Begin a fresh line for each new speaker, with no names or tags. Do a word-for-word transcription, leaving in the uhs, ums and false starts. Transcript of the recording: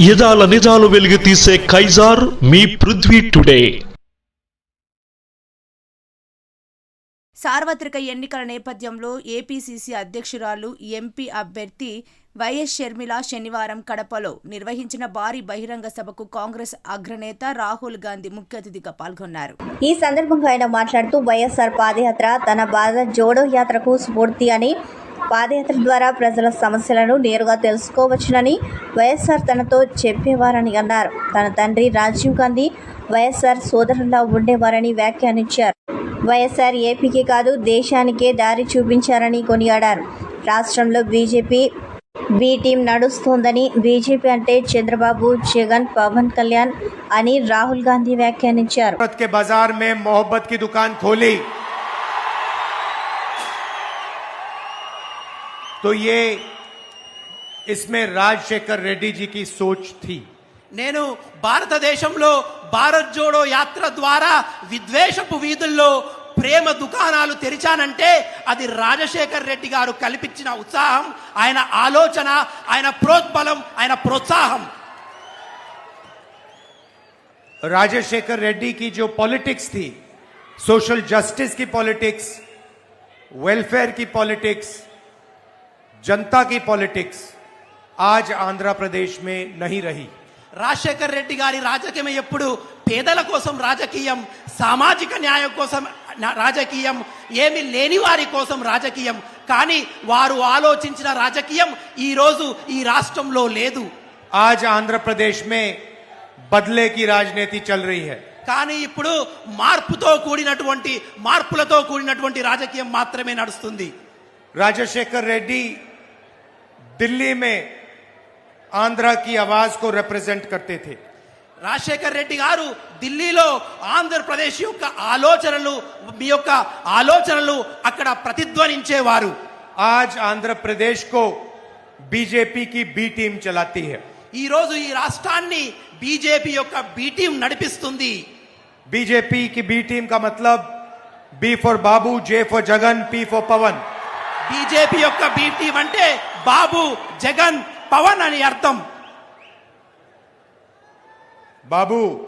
యదాల నిజాలు వెలుగు తీసే కైజార్ మీ పృథ్వీ టుడే.
సార్వత్రిక ఎన్నికల నేపథ్యంలో ఏపీసీసీ అధ్యక్షురాలు ఎంపీ అభ్యర్థి వైఎస్ షర్మిల శనివారం కడపలో నిర్వహించిన భారీ బహిరంగ సభకు కాంగ్రెస్ అగ్రనేత రాహుల్ గాంధీ ముఖ్య అతిథిగా పాల్గొన్నారు.
ఈ సందర్భంగా ఆయన మాట్లాడుతూ వైఎస్ఆర్ పాదయాత్ర తన భారత్ జోడో యాత్రకు స్ఫూర్తి అని, పాదయాత్ర ద్వారా ప్రజల సమస్యలను నేరుగా తెలుసుకోవచ్చునని వైఎస్ఆర్ తనతో చెప్పేవారని అన్నారు. తన తండ్రి రాజీవ్ గాంధీ వైఎస్ఆర్ సోదరులా ఉండేవారని వ్యాఖ్యానించారు. వైఎస్ఆర్ ఏపీకి కాదు దేశానికే దారి చూపించారని కొనియాడారు. రాష్ట్రంలో బీజేపీ బి టీం నడుస్తోందని, బీజేపీ అంటే చంద్రబాబు, జగన్, పవన్ కళ్యాణ్ అని రాహుల్ గాంధీ వ్యాఖ్యానించారు.
बाजार में मोहब्बत की दुकान खोली तो ये इसमें राजशेखर रेड्डी जी की सोच थी.
నేను భారతదేశంలో భారత్ జోడో యాత్ర ద్వారా విద్వేషపు వీధుల్లో ప్రేమ దుకాణాలు తెరిచానంటే అది రాజశేఖర్ రెడ్డి గారు కల్పించిన ఉత్సాహం, ఆయన ఆలోచన, ఆయన ప్రోద్బలం, ఆయన ప్రోత్సాహం.
राजशेखर रेड्डी की जो पॉलिटिक्स थी, सोशल जस्टिस की पॉलिटिक्स, वेलफेयर की पॉलिटिक्स, जनता की पॉलिटिक्स आज आंध्र प्रदेश में नहीं रही.
రాజశేఖర్ రెడ్డి గారి రాజకీయం ఎప్పుడు పేదల కోసం రాజకీయం, సామాజిక న్యాయం కోసం రాజకీయం, ఏమి లేని వారి కోసం రాజకీయం. కానీ వారు ఆలోచించిన రాజకీయం ఈ రోజు ఈ రాష్ట్రంలో లేదు.
आज आंध्र प्रदेश में बदले की राजनीति चल रही है.
కానీ ఇప్పుడు మార్పుతో కూడినటువంటి మార్పులతో కూడినటువంటి రాజకీయం మాత్రమే నడుస్తుంది.
राजशेखर रेड्डी दिल्ली में आंध्र की आवाज को रिप्रेजेंट करते थे.
రాజశేఖర్ రెడ్డి గారు ఢిల్లీలో ఆంధ్రప్రదేశ్ యొక్క ఆలోచనలు మీ యొక్క ఆలోచనలు అక్కడ ప్రతిధ్వనించేవారు.
आज आंध्र प्रदेश को बीजेपी की बी टीम चलाती है.
ఈ రోజు ఈ రాష్ట్రాన్ని బీజేపీ యొక్క బి టీం నడిపిస్తుంది.
बीजेपी की बी टीम का मतलब B for Babu, J for Jagan, P for Pawan.
BJP యొక్క బి టీం అంటే బాబు, జగన్, పవన్ అని అర్థం.
बाबू